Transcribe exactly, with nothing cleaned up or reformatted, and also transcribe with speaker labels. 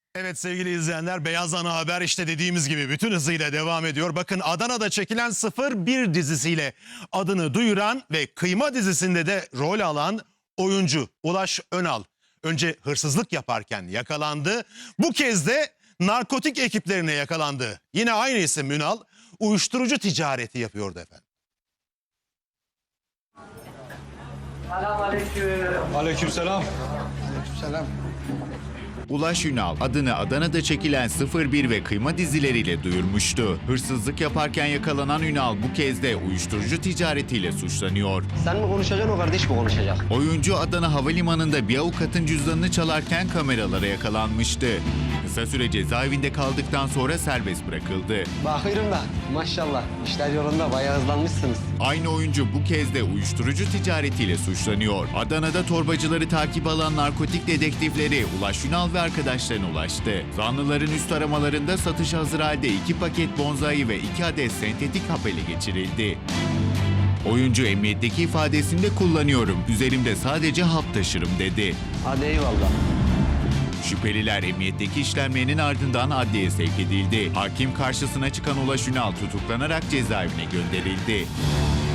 Speaker 1: Evet sevgili izleyenler, Beyaz Ana Haber işte dediğimiz gibi bütün hızıyla devam ediyor. Bakın, Adana'da çekilen sıfır bir dizisiyle adını duyuran ve Kıyma dizisinde de rol alan oyuncu Ulaş Önal önce hırsızlık yaparken yakalandı. Bu kez de narkotik ekiplerine yakalandı. Yine aynı isim Ünal uyuşturucu ticareti yapıyordu efendim.
Speaker 2: Selamünaleyküm.
Speaker 3: Aleykümselam.
Speaker 2: Selam.
Speaker 4: Ulaş Ünal adını Adana'da çekilen sıfır bir ve Kıyma dizileriyle duyurmuştu. Hırsızlık yaparken yakalanan Ünal bu kez de uyuşturucu ticaretiyle suçlanıyor.
Speaker 2: Sen mi konuşacaksın, o kardeş mi konuşacak?
Speaker 4: Oyuncu Adana Havalimanı'nda bir avukatın cüzdanını çalarken kameralara yakalanmıştı. Kısa süre cezaevinde kaldıktan sonra serbest bırakıldı.
Speaker 2: Bakıyorum da maşallah işler yolunda, bayağı hızlanmışsınız.
Speaker 4: Aynı oyuncu bu kez de uyuşturucu ticaretiyle suçlanıyor. Adana'da torbacıları takip alan narkotik dedektifleri Ulaş Ünal ve arkadaşlarına ulaştı. Zanlıların üst aramalarında satışa hazır halde iki paket bonzai ve iki adet sentetik hap ele geçirildi. Oyuncu emniyetteki ifadesinde kullanıyorum, üzerimde sadece hap taşırım dedi.
Speaker 2: Hadi eyvallah.
Speaker 4: Şüpheliler emniyetteki işlemlerinin ardından adliyeye sevk edildi. Hakim karşısına çıkan Ulaş Ünal tutuklanarak cezaevine gönderildi.